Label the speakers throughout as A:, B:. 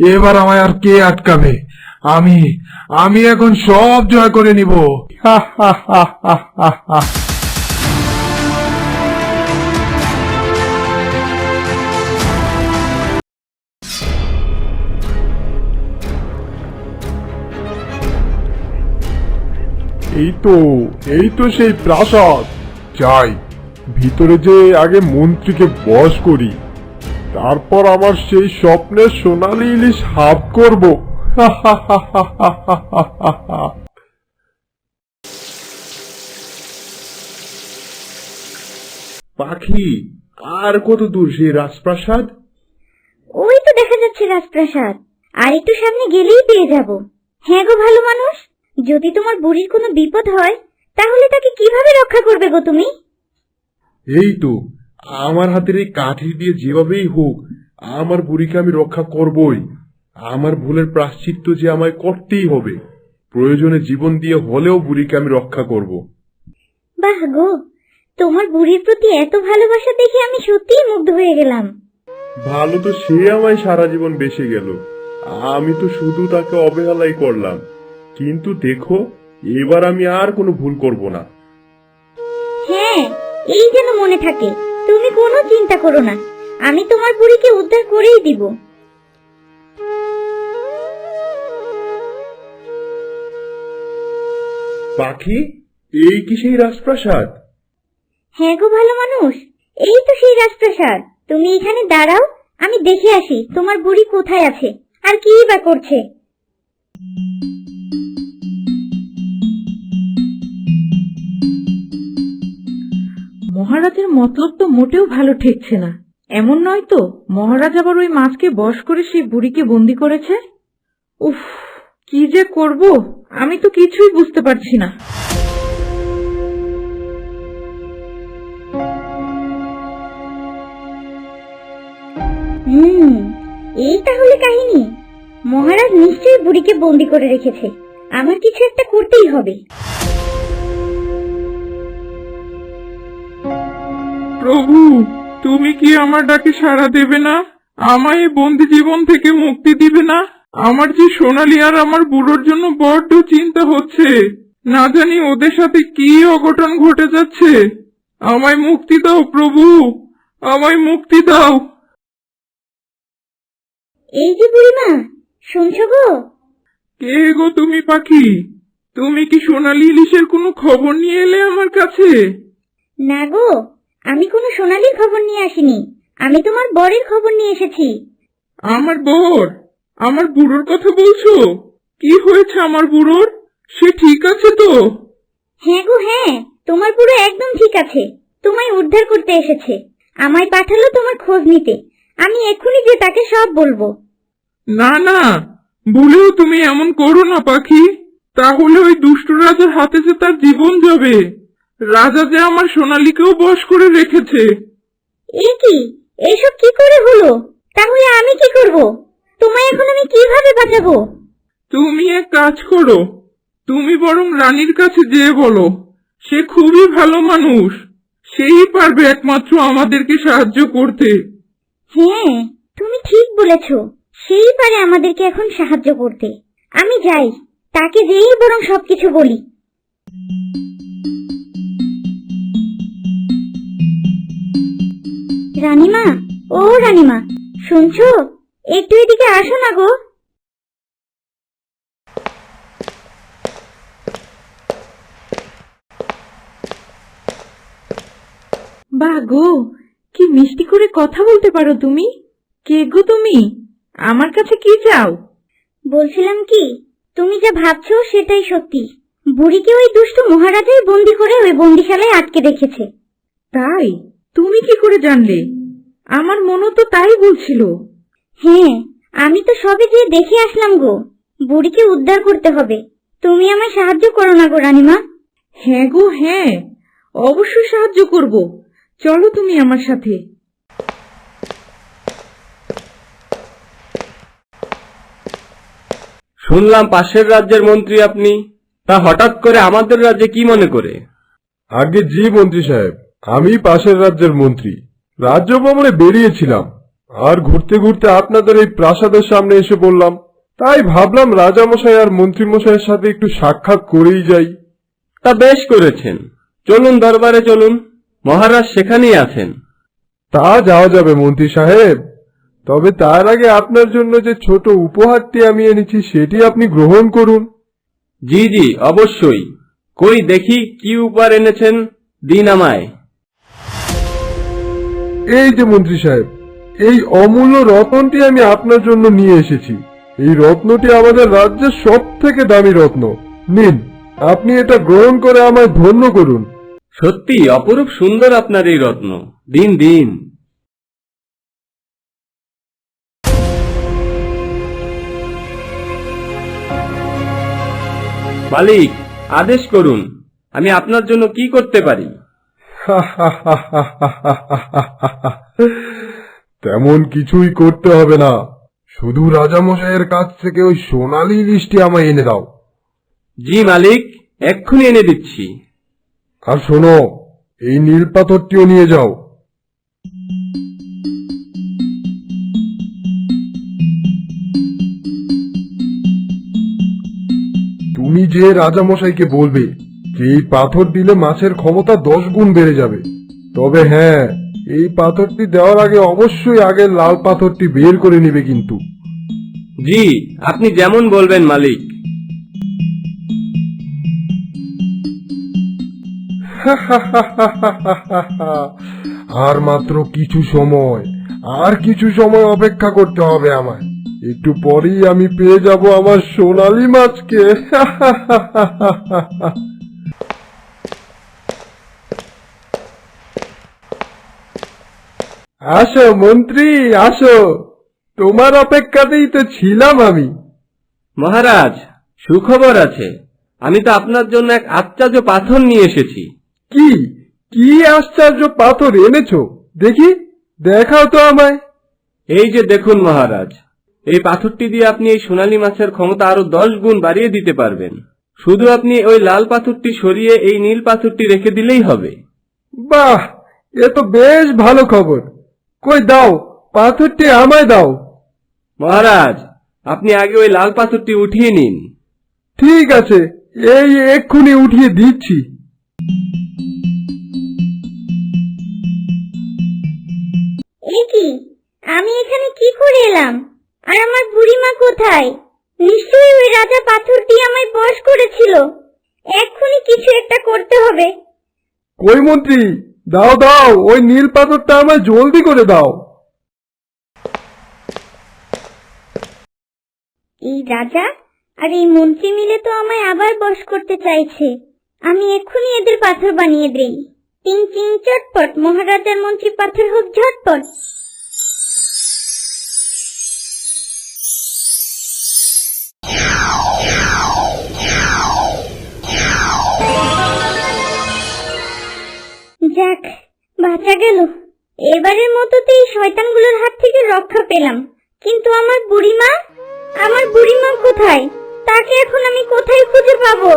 A: এবার আমায় আর কে আটকাবে? আমি আমি এখন সব জয় করে নিব। হা হা হা হা হা হা। এই তো সেই প্রাসাদ। যাই, ভিতরে যে আগে মন্ত্রীকে বশ করি, তারপর আমার সেই স্বপ্নের সোনালী ইলিশ হাত করব। পাখি, আর কত দূর সেই রাজপ্রাসাদ?
B: ওই তো দেখা যাচ্ছে রাজপ্রাসাদ, আর একটু সামনে গেলেই পেয়ে যাব। হ্যাঁ গো ভালো মানুষ, যদি তোমার বুড়ির কোনো বিপদ হয় তাহলে তাকে কিভাবে রক্ষা করবে গো তুমি?
A: এই তো, আমার হাতের এই কাঠি দিয়ে যেভাবেই হোক আমার বুড়িকে আমি রক্ষা করবই। আমার ভুলের প্রায়শ্চিত্ত যে আমায় করতেই হবে। প্রয়োজনে জীবন দিয়ে হলেও বুড়িকে আমি রক্ষা করব।
B: বাহ গো, তোমার বুড়ির প্রতি এত ভালোবাসা দেখে আমি সত্যিই মুগ্ধ হয়ে গেলাম।
A: ভালো তো সে আমায় সারা জীবন বেঁচে গেল, আমি তো শুধু তাকে অবহেলাই করলাম। কিন্তু দেখো, এবার আমি আর কোনো ভুল করব না।
B: হ্যাঁ, এই যেন মনে থাকে, তুমি কোনো চিন্তা করো না, আমি তোমার বুড়িকে উদ্ধার করেই দিব।
A: পাখি, এই কি সেই রাজপ্রাসাদ?
B: হ্যাঁ গো ভালো মানুষ, এই তো সেই রাজপ্রাসাদ। তুমি এখানে দাঁড়াও, আমি দেখে আসি তোমার বুড়ি কোথায় আছে আর কি বা করছে।
C: মহারাজের মতলব তো মোটেও ভালো ঠেকছে না। এমন নয় তো মহারাজ আবার ওই মাছকে বশ করে সেই বুড়িকে বন্দি করেছে? উফ, কি যে করব আমি তো কিছুই বুঝতে পারছি না।
B: এই তাহলে কাহিনী। মহারাজ নিশ্চয়ই বুড়িকে বন্দি করে রেখেছে, আমার কিছু একটা করতেই হবে।
D: প্রভু, তুমি কি আমার ডাকে সাড়া দেবে না? আমায় এই বন্দি জীবন থেকে মুক্তি দিবে না? আমার যে সোনালী আর আমার বুড়োর জন্য বড্ড চিন্তা হচ্ছে। না জানি ওদের সাথে কি অঘটন ঘটে যাচ্ছে। আমায় মুক্তি দাও প্রভু, আমায় মুক্তি দাও।
B: এই যে বুড়িমা, শুনছো গো?
D: কে গো তুমি পাখি? তুমি কি সোনালী ইলিশের কোনো খবর নিয়ে এলে আমার কাছে?
B: না গো, আমি কোনো সোনালীর খবর নিয়ে আসিনি, আমি তোমার বরের খবর নিয়ে এসেছি।
D: আমার বর? আমার বুড়োর কথা বলছো? কি হয়েছে আমার বুড়োর? সে ঠিক আছে তো?
B: হ্যাঁ গো হ্যাঁ, তোমার বুড়ো একদম ঠিক আছে, তোমায় উদ্ধার করতে এসেছে। আমায় পাঠালো তোমার খোঁজ নিতে, আমি এক্ষুনি যে তাকে সব বলবো।
D: না না, ভুলেও তুমি এমন করো না পাখি, তাহলে ওই দুষ্ট রাজার হাতে যে তার জীবন যাবে। রাজা যে আমার সোনালীকেও বশ করে রেখেছে।
B: এ কি, এসব কি করে হলো? তাহলে আমি কি করব? তোমায় এখন আমি কিভাবে বাঁচাবো?
D: তুমি এক কাজ করো, তুমি বরং রানীর কাছে যেয়ে বলো। সে খুবই ভালো মানুষ, সেই পারবে একমাত্র আমাদেরকে সাহায্য করতে।
B: হ্যাঁ, তুমি ঠিক বলেছ, সেই পারে আমাদেরকে এখন সাহায্য করতে। আমি যাই, তাকে যেই বরং সবকিছু বলি। রানীমা, ও রানীমা, শুনছো? একটু এদিকে আসো না গো।
C: বাহ গো, কি মিষ্টি করে কথা বলতে পারো তুমি। কে গো তুমি? আমার কাছে কি চাও?
B: বলছিলাম কি, তুমি যা ভাবছো সেটাই সত্যি। বুড়িকে ওই দুষ্ট মহারাজাই বন্দি করে ওই বন্দিশালায় আটকে রেখেছে।
C: তাই? তুমি কি করে জানলে? আমার মনও তো তাই বলছিল।
B: হ্যাঁ, আমি তো সবে গিয়ে দেখে আসলাম গো। বুড়িকে উদ্ধার করতে হবে, তুমি আমায় সাহায্য করো না গো রানীমা।
C: হ্যাঁ গো হ্যাঁ, অবশ্যই সাহায্য করব। চলো তুমি আমার সাথে।
E: শুনলাম পাশের রাজ্যের মন্ত্রী আপনি, তা হঠাৎ করে আমাদের রাজ্যে কি মনে করে?
A: আগে জি মন্ত্রী সাহেব, আমি পাশের রাজ্যের মন্ত্রী। রাজ্য ভ্রমণে বেরিয়েছিলাম, আর ঘুরতে ঘুরতে আপনাদের এই প্রাসাদের সামনে এসে বললাম, তাই ভাবলাম রাজামশাই আর মন্ত্রীমশাইয়ের সাথে একটু সাক্ষাৎ করেই যাই।
E: তা বেশ করেছেন, চলুন দরবারে চলুন, মহারাজ সেখানেই আছেন।
A: তা যাওয়া যাবে মন্ত্রী সাহেব, তবে তার আগে আপনার জন্য যে ছোট উপহারটি আমি এনেছি সেটি আপনি গ্রহণ করুন।
E: জি জি, অবশ্যই। কই দেখি কি উপহার এনেছেন, দিন আমায়।
A: এই যে মন্ত্রী সাহেব, এই অমূল্য রত্নটি আমি আপনার জন্য নিয়ে এসেছি। এই রত্নটি আমাদের রাজ্যের সব থেকে দামি রত্ন। নিন, আপনি এটা গ্রহণ করে আমায় ধন্য করুন।
E: সত্যি অপরূপ সুন্দর আপনার এই রত্ন, দিন দিন। মালিক, আদেশ করুন, আমি আপনার জন্য কি করতে পারি?
A: তেমন কিছুই করতে হবে না, শুধু রাজামশাইয়ের কাছ থেকে ওই সোনালী ইলিশটি আমায় এনে দাও।
E: জি মালিক, এক্ষুনি এনে দিচ্ছি।
A: আর শোনো, এই নীল পাথরটিও নিয়ে যাও। তুমি যে রাজামশাইকে বলবে যে এই পাথর দিলে মাছের ক্ষমতা 10 গুণ বেড়ে যাবে। তবে হ্যাঁ, এই পাথরটি দেওয়ার আগে অবশ্যই আগের লাল পাথরটি বের করে নিবে কিন্তু।
E: জি, আপনি যেমন বলবেন মালিক।
A: আর মাত্র কিছু সময়, আর কিছু সময় অপেক্ষা করতে হবে আমায়। একটু পরেই আমি পেয়ে যাব আমার সোনালী মাছকে। আসো মন্ত্রী, আসো, তোমার অপেক্ষাতেই তো ছিলাম আমি।
E: মহারাজ, সুখবর আছে, আমি তো আপনার জন্য এক আশ্চর্য পাথর নিয়ে এসেছি।
A: কি কি আশ্চর্য পাথর এনেছো দেখি, দেখাও তো আমায়।
E: এই যে দেখুন মহারাজ, এই পাথরটি দিয়ে আপনি এই সোনালী মাছের ক্ষমতা আরো 10 গুণ বাড়িয়ে দিতে পারবেন। শুধু আপনি ওই লাল পাথরটি সরিয়ে এই নীল পাথরটি রেখে দিলেই হবে।
A: বাহ, এ তো বেশ ভালো খবর। কই দাও, পাথরটি আমায় দাও।
E: মহারাজ, আপনি আগে ওই লাল পাথরটি উঠিয়ে নিন।
A: ঠিক আছে, এই এক্ষুনি উঠিয়ে দিচ্ছি।
B: এ কি, আমি এখানে কি করে এলাম? আর আমার বুড়িমা কোথায়? নিশ্চয়ই ওই রাজা পাথরটি আমায় বশ করেছিল। এক্ষুনি কিছু একটা করতে হবে।
A: কই মন্ত্রী, দাও দাও, ওই নীল পাথরটা আমায় জলদি করে দাও।
B: এই রাজা আর এই মন্ত্রী মিলে তো আমায় আবার বশ করতে চাইছে। আমি এক্ষুনি এদের পাথর বানিয়ে দেই। টিং টিং চটপট, মহারাজার মন্ত্রী পাথর হোক ঝটপট। যাক, বাঁচা গেল। এবারের মতো তো এই শয়তানগুলোর হাত থেকে রক্ষা পেলাম। কিন্তু আমার বুড়িমা কোথায়? তাকে এখন আমি কোথায় খুঁজে পাবো?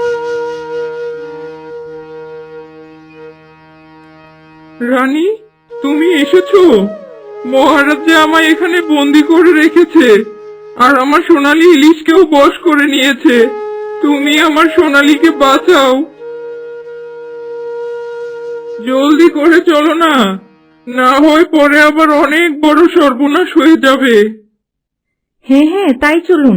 D: রানী, তুমি এসেছো? মহারাজ যে আমায় এখানে বন্দি করে রেখেছে, আর আমার সোনালী ইলিশকেও বশ করে নিয়েছে। তুমি আমার সোনালীকে বাঁচাও, জলদি করে চলো না, না হয় পরে আবার অনেক বড় সর্বনাশ হয়ে যাবে।
C: হ্যাঁ হ্যাঁ, তাই চলুন।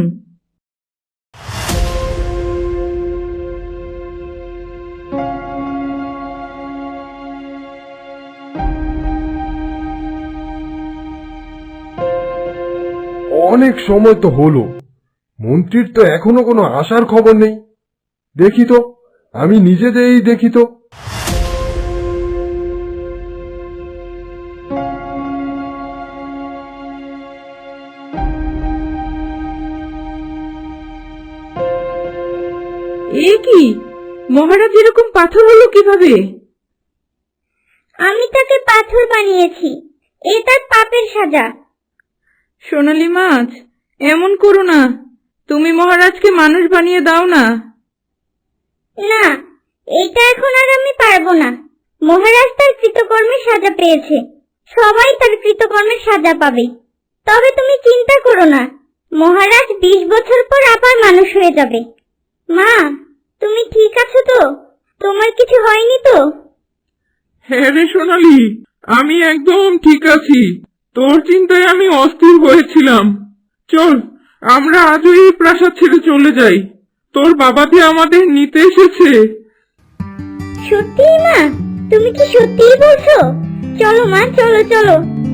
A: অনেক সময় তো হলো, মন্ত্রীর তো এখনো কোনো আসার খবর নেই। দেখি তো, আমি নিজে যেই দেখি তো।
C: এ কি, মহারাজ এরকম পাথর হলো কিভাবে?
B: আমি তাকে পাথর বানিয়েছি, এ তার পাপের সাজা।
C: সোনালী মাছ, এমন করো না, তুমি মহারাজকে মানুষ বানিয়ে দাও না।
B: না, এটা এখন আর আমি পারবো না। মহারাজ তার কৃতকর্মের সাজা পেয়েছে। সবাই তার কৃতকর্মের সাজা পাবে। তবে তুমি চিন্তা করো না, মহারাজ 20 বছর পর আবার মানুষ হয়ে যাবে। মা, তুমি ঠিক আছো তো? তোমার কিছু হয়নি তো?
D: হ্যাঁ রে সোনালি, আমি একদম ঠিক আছি। তোর চিন্তায় আমি অস্থির হয়েছিলাম। চল, আমরা আজই এই প্রাসাদ ছেড়ে চলে যাই। তোর বাবা যে আমাদের নিতে এসেছে।
B: সত্যিই মা? তুমি কি সত্যিই বলছো? চলো মা, চলো চলো।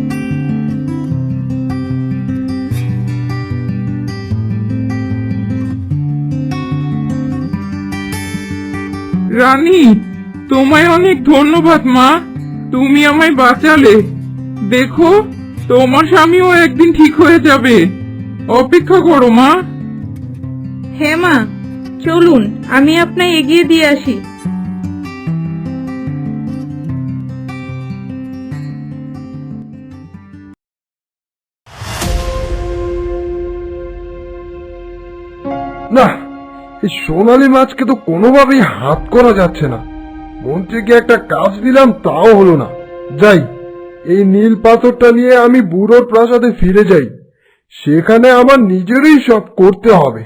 D: রানী, তোমায় অনেক ধন্যবাদ মা, তুমি আমায় বাঁচালে। দেখো, তোমার স্বামীও একদিন ঠিক হয়ে যাবে। অপেক্ষা করো মা।
C: হ্যাঁ মা, চলুন আমি আপনায় এগিয়ে দিয়ে আসি।
A: না, এই সোনালী মাছকে তো কোনোভাবেই হাত করা যাচ্ছে না। মন্ত্রীকে একটা কাজ দিলাম, তাও হলো না। যাই, এই নীল পাথরটা নিয়ে আমি বুড়োর প্রাসাদে ফিরে যাই। সেখানে আমার নিজেরই সব করতে হবে।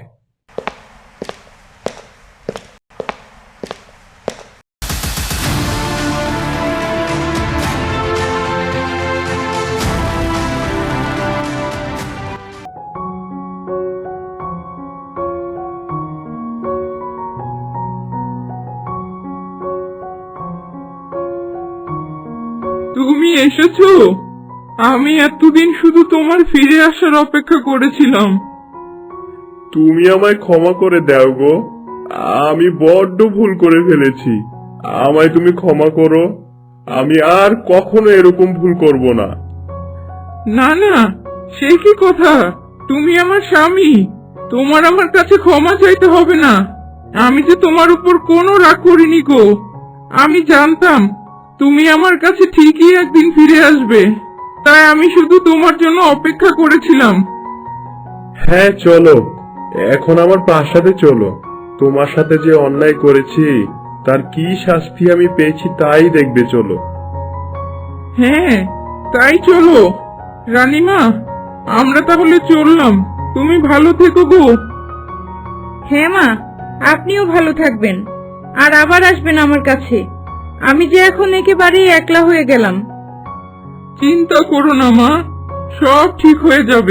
D: তুমি এসেছো? আমি এতদিন শুধু তোমার ফিরে আসার অপেক্ষা করেছিলাম।
A: তুমি আমায় ক্ষমা করে দাও গো, আমি বড্ড ভুল করে ফেলেছি। আমায় তুমি ক্ষমা করো, আমি আর কখনো এরকম ভুল করব না।
D: না না, সে কি কথা? তুমি আমার স্বামী, তোমার আমার কাছে ক্ষমা চাইতে হবে না। আমি যে তোমার উপর কোনো রাগ করিনি গো। আমি জানতাম তুমি আমার কাছে ঠিকই একদিন ফিরে আসবে, তাই আমি শুধু তোমার জন্য অপেক্ষা করেছিলাম।
A: হ্যাঁ চলো, এখন আমার প্রাসাদে চলো। তোমার সাথে যে অন্যায় করেছি তার কি শাস্তি আমি পেয়েছি তাই দেখবে, চলো।
D: হ্যাঁ, তাই চলো। রানীমা, আমরা তাহলে চললাম। তুমি ভালো থেকো গো।
C: হ্যাঁ মা, আপনিও ভালো থাকবেন, আর আবার আসবেন আমার কাছে। আমি যে এখন একেবারেই একলা হয়ে গেলাম।
D: চিন্তা করো না মা, সব ঠিক হয়ে যাবে।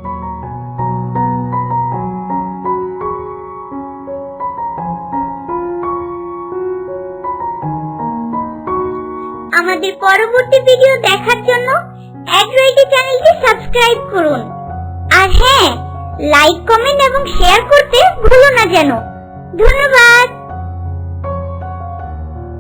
B: আমাদের পরবর্তী ভিডিও দেখার জন্য অ্যাড্রয়েডি চ্যানেলটি সাবস্ক্রাইব করুন। আর হ্যাঁ, লাইক, কমেন্ট এবং শেয়ার করতে ভুলো না যেন। ধন্যবাদ।